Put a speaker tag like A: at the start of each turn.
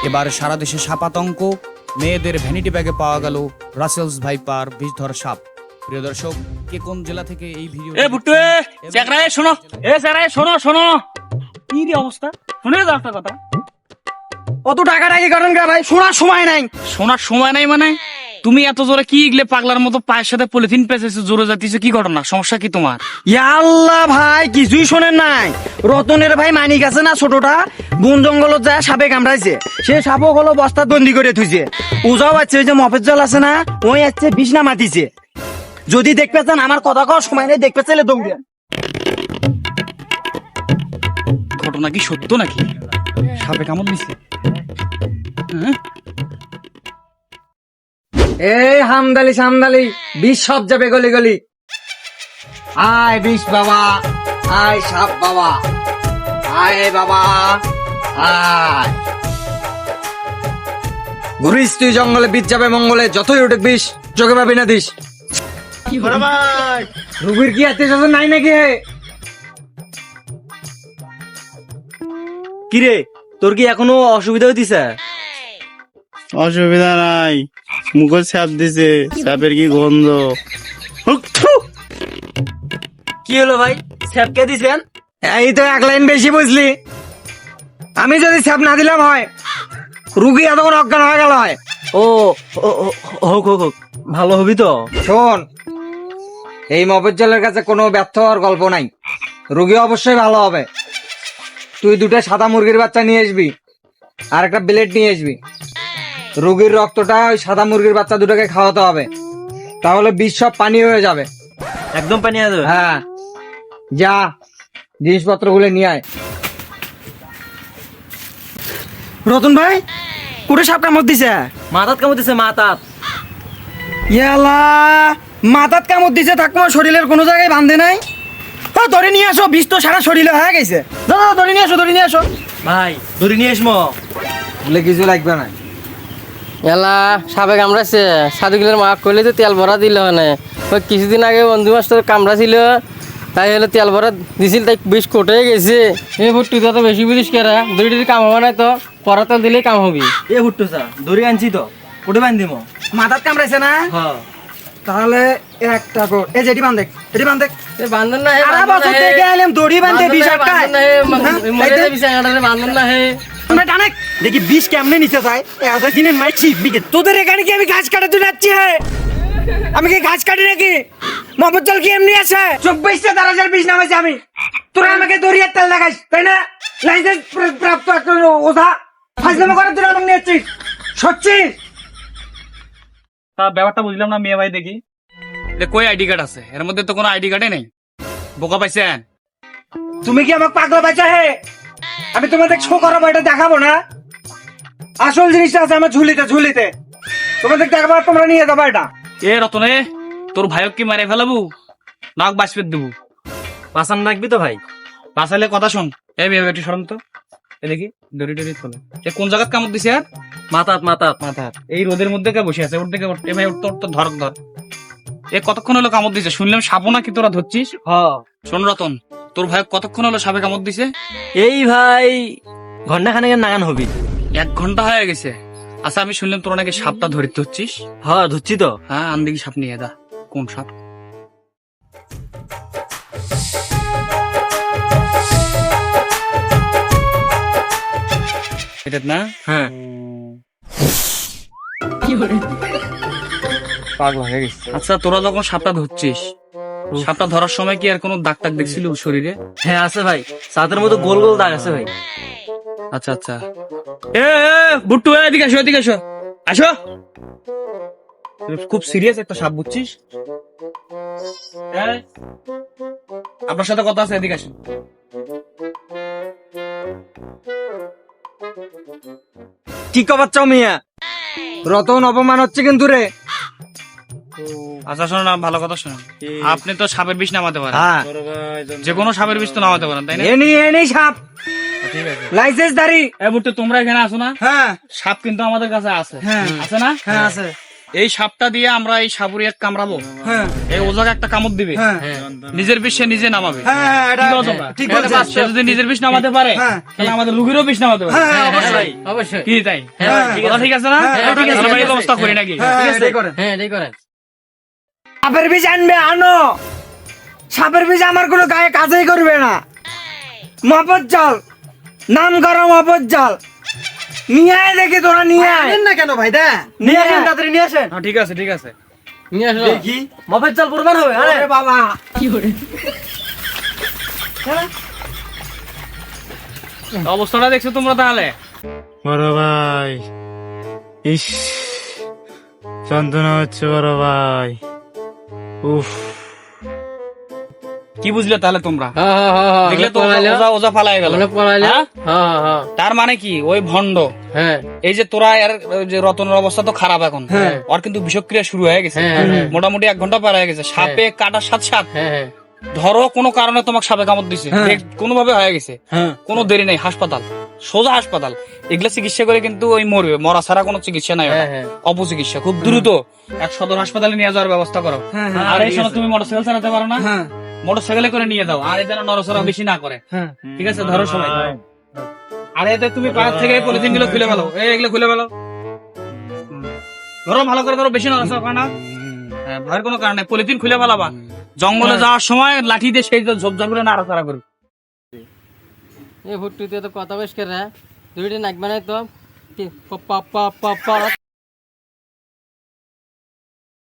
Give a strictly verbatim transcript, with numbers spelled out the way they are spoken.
A: এবার সারা দেশে সাপাতঙ্ক, মেয়েদের ভ্যানিটি ব্যাগে পাওয়া গেল রাসেলস ভাইপার বিষধর সাপ। প্রিয় দর্শক, কে কোন জেলা থেকে এই ভিডিও
B: এ বুট্টু এ চেকরায় শোনো, এ চেকরায় শোনো শোনো, কি রে অবস্থা শুনে যাও একটা কথা।
C: কত টাকা টাকি করেন কে ভাই? শোনার সময় নাই।
B: শোনার সময় নাই মানে? তুমি এত জোরে কি ইগলে পাগলার মতো পায়ের সাথে পলিথিন পেঁচেছো, জোরে যাতিছো, কি ঘটনা? সমস্যা কি তোমার?
C: আল্লাহ ভাই কিছুই শোনেন নাই। রতনের ভাই মানিক আছে না ছোটটা, বন জঙ্গলত যায় সাপে কামড়াইছে। সে সাপও হলো বস্তা বন্দি করে থুইছে। ওজাও আছে, ওই যে মফেজ্জল আছে না, ওই আছে বিছনা মাতিছে। যদি দেখতে চান আমার কথা কওয়ার সময় নেই, দেখতে চাইলে দৌড়ে।
B: ঘটনা কি সত্য নাকি? সাপে কামড় দিছে? হ্যাঁ?
C: এই হামদালি সামদালি বিষ সব যাবে গলি গলি। আয় বিষ বাবা, আয় সাপ বাবা, আয় বাবা আয়। ঘুরিস তুই জঙ্গলে, বীজ যাবে মঙ্গলে, যতই উঠে বিষ চোখে পাবি না দিস। রুগীর কি আত্মীয় স্বজন নাই নাকি? কিরে তোর কি এখনো অসুবিধা হইতিছে?
D: অসুবিধা নাই, মুখে ছাপ দিছে, ছাপের কি গন্ধ।
C: কি হলো ভাই, স্যাপ কে দিছেন? এই তো এক লাইন বেশি বুঝলি। আমি যদি স্যাপ না দিলাম হয়, রুগী এতক্ষণ অজ্ঞান হয়ে গেল হয়। ও ও- ও- হোক হোক হোক, ভালো হবি তো। শোন, এই মফেজ্জলের কাছে কোনো ব্যর্থ হওয়ার গল্প নাই, রুগী অবশ্যই ভালো হবে। তুই দুটো সাদা মুরগির বাচ্চা নিয়ে আসবি, আর একটা ব্লেড নিয়ে আসবি। রুগীর রক্তটা ওই সাদা মুরগির বাচ্চা দুটোকে খাওয়াতে হবে, তাহলে বিষ সব পানি হয়ে যাবে।
D: একদম পানি আছে।
C: হ্যাঁ, যা জিনিসপত্র গুলো নিয়ে আয়। রতন ভাই, কুড়ে সাপ কামড় দিছে?
D: মাথাত কামড় দিছে, মাথাত।
C: ইয়ালা, মাথাত কামড় দিছে, থাকবো শরীরের কোনো জায়গায় বাঁধে নাই। হ্যাঁ, ধরে নিয়ে আসো, বিষ তো সারা শরীরে হয়ে গেছে। দাদা ধরে নিয়ে আসো, ধরে নিয়ে আসো
D: ভাই ধরে নিয়ে এসমো।
C: বলে কিছু লাগবে না।
E: এলা সাপে কামড়াইছে, সাধুগুলোর মা কইলে তো তেল ভরা দিল মানে। ওই কিছুদিন আগে বন্ধু মাস্টার কামড়াছিল, তাই হলে তেল ভরা দিছিল, তাই বিষ কোটে গেছে। এই ভুট্টু তো বেশি বুঝিস কেরা, দড়ি দড়ি কাম হবে না তো, পরা তেল দিলেই কাম হবি।
D: এ হুট্টু চা দড়ি আনছি তো, কোটে বান্ধ দিমো।
C: মাথাত কামড়াইছে না?
D: হ্যাঁ
C: তাহলে একটা কর, এই যে এটি বান্ধে, এটি বান্ধে।
E: বান্ধন না হে,
C: সারা বছর থেকে আইলাম দড়ি বান্ধে বিষ আটকায়।
E: বান্ধন না হে।
C: আমরা টানে দেখি বিষ কেমনে নিচে যায়। এত দিনের মাইছি বিকে তোদের এখানে কি আমি ঘাস কাটাতে যাচ্ছি? হে, আমি কি ঘাস কাটি নাকি? মফজ্জল কি এমনি আছে? চব্বিশটা দারাজের বিষ নামাইছি আমি। তোরা আমাকে দড়িয়ার তেল লাগাইস, তাই না? লাইসেন্স প্রাপ্ত একটা ওঝা ফাজলামো করে তোরা আমাকে নিয়েছিস, সচ্ছিস?
B: তা ব্যাপারটা বুঝলাম না মেয়ে ভাই। দেখি এটা কই আইডি কার্ড আছে? এর মধ্যে তো কোনো আইডি কার্ডে নেই। বোকা পাইছেন?
C: তুমি কি আমাকে পাগলা বাচ্চা? হে, আমি তোমাদের শো করাবো, এটা দেখাবো না। আসল জিনিসটা আছে আমার ঝুলিতে, ঝুলিতে তোমাদের দেখাবো, আর তোমরা নিয়ে যাবো এটা।
B: এ রতনে, তোর ভাইক কি মারে ফেলাবো, নাক বাঁচপে দেবো?
D: পাসান রাখবি তো ভাই?
B: বাঁচালে কথা শোন। এ মেয়ে একটু সরম তো, এ দেখি দড়ি টড়ি তোলে। এ কোন জায়গায় কামড় দিছে? আর
D: মাথাত মাথাত।
B: মাথা এই রোদের মধ্যে কে বসে আছে? ওর দিকে এ ভাই তোর তো ধর ধর। এ কতক্ষণ হলো কামড় দিছে? শুনলাম সাপও নাকি তোরা ধরছিস?
D: হ্যাঁ
B: শোন রতন, তোর ভাই কতক্ষণ হলো সাপে কামড় দিছে?
D: এই ভাই ঘন্টা খানেকের নাগান হবি।
B: এক ঘন্টা হয়ে গেছে। আচ্ছা, আমি শুনলাম তোরা নাকি সাপটা ধরতে হচ্ছিস।
D: হ্যাঁ ধরছি তো।
B: হ্যাঁ, আন দেখি সাপ নিয়ে দা। কোন সাপ? এটা না?
D: হ্যাঁ
B: পাগল হয়ে গেছে। আচ্ছা, তোরা যখন সাপটা ধরছিস, সাপটা ধরার সময় কি আর কোনো দাগ টাগ দেখছিল শরীরে?
D: হ্যাঁ আছে ভাই, সাতের মতো গোল গোল দাগ আছে ভাই।
B: আচ্ছা আচ্ছা। এ এ, বুট্টু এ, এদিকে আসো, এদিকে আসো, আসো। খুব সিরিয়াস একটা সাপ, বুঝছিস? এই, আপনার সাথে কথা আছে, এদিকে আসুন।
C: কি কবার চাও মিয়া? রতন অপমান হচ্ছে কিন্তু রে।
B: আচ্ছা শোনো না, ভালো কথা শোনো। আপনি তো সাপের বিষ নামাতে পারেন,
C: হ্যাঁ,
B: যে কোনো সাপের বিষ তো নামাতে পারেন, তাই না?
C: এনি এনি সাপ,
B: ঠিক আছে।
C: লাইসেন্স দাঁড়ি।
B: এ বুট্টু, তোমরা এখানে আসো না?
C: হ্যাঁ
B: সাপ কিন্তু আমাদের কাছে আছে,
C: হ্যাঁ।
B: আছে না?
C: হ্যাঁ আছে।
B: এই সাপটা দিয়ে আমরা এই সাপুরিয়াক কামড়াবো,
C: হ্যাঁ
B: এই ওজাকে একটা কামড় দিবে,
C: হ্যাঁ
B: নিজের বিষ সে নিজে নামাবে।
C: হ্যাঁ হ্যাঁ, এটা
B: কি বলো তোমরা?
C: ঠিক বলছেন।
B: সে যদি নিজের বিষ নামাতে পারে
C: হ্যাঁ।
B: তাহলে আমাদের রুগীরও বিষ নামাতে পারে।
C: হ্যাঁ, হ্যাঁ, অবশ্যই।
E: অবশ্যই।
B: কি তাই?
C: হ্যাঁ,
B: কথা ঠিক আছে না?
C: হ্যাঁ,
B: ঠিক
C: ঠিক
B: আছে,
C: আছে,
B: আমরা এই
E: ঠিক
B: ব্যবস্থা
E: আছে।
B: করি নাকি?
C: হ্যাঁ,
B: ঠিক আছে?
C: এটাই করেন।
E: হ্যাঁ এটাই করেন।
C: সাপের বিষ আনবে আনো, সাপের বিষ আমার কোনো গায়ে কাজেই করবে না। মফজ্জল, নাম করো মফজ্জল, নিয়ে আয় দেখি তোরা, নিয়ে আয়
F: না কেন ভাই দা
C: নিয়ে আয়।
F: তাড়াতাড়ি নিয়ে আসেন
B: হ্যাঁ, ঠিক আছে ঠিক আছে।
E: নিয়ে আসো।
F: দেখি মফজ্জল প্রমাণ হবে। আরে
C: আরে বাবা,
B: অবস্থাটা দেখছো তোমরা তাহলে?
D: বড় ভাই, ইস যন্ত্রণা হচ্ছে বড় ভাই, উফ।
B: কি বুঝলে তাহলে তোমরা?
E: হ্যাঁ হ্যাঁ হ্যাঁ হ্যাঁ
B: দেখলে তো
E: পলাইলো।
B: ওজা ওজা পালাই গেল।
E: মনে পলাইলো।
B: হ্যাঁ?
E: হ্যাঁ হ্যাঁ হ্যাঁ
B: তার মানে কি ওই ভণ্ড,
E: হ্যাঁ
B: এই যে তোরা এর ওই যে রতনের অবস্থা তো খারাপ এখন, ওর কিন্তু বিষক্রিয়া শুরু হয়ে গেছে,
E: হ্যাঁ, হ্যাঁ।
B: মোটামুটি এক ঘন্টা পার হয়ে গেছে। সাপে কাটার সাথে সাথে
E: হ্যাঁ হ্যাঁ
B: ধরো কোনো কারণে তোমাকে সাপে কামড় দিছে, কোনো ভাবে হয়ে গেছে,
C: হ্যাঁ
B: কোনো দেরি নেই, হাসপাতাল, সোজা হাসপাতাল। এগুলা চিকিৎসা করে কিন্তু ওই মরবে, মরা ছাড়া কোনো চিকিৎসা নাই,
E: হ্যাঁ, হ্যাঁ।
B: অপচিকিৎসা, খুব দ্রুত এক সদর হাসপাতালে নিয়ে যাওয়ার ব্যবস্থা করো।
C: হ্যাঁ, হ্যাঁ,
B: আর এই সময় তুমি মোটরসাইকেল চালাতে পারো না,
C: হ্যাঁ
B: মোটরসাইকেলে করে নিয়ে যাও, আর এই যেন নড়াচড়া বেশি না করে।
C: হ্যাঁ
B: ঠিক আছে, ধরো সবাই। আর এতে তুমি পাশ থেকে পলিথিন গুলো খুলে ফেলো, এই এগুলো খুলে ফেলো, ধরো ভালো করে ধরো, বেশি নড়াচড়া করে না। হ্যাঁ, ভয়ের কোনো কারণ নেই, পলিথিন খুলে ফেলাবা। জঙ্গলে যাওয়ার সময় লাঠি দিয়ে সেই ঝোপঝাপ করে নাড়াচাড়া করবে।
E: এই ফুটুতে তো কথা বেশ করে দুইটা নাক বানাই তো পা পা পা পা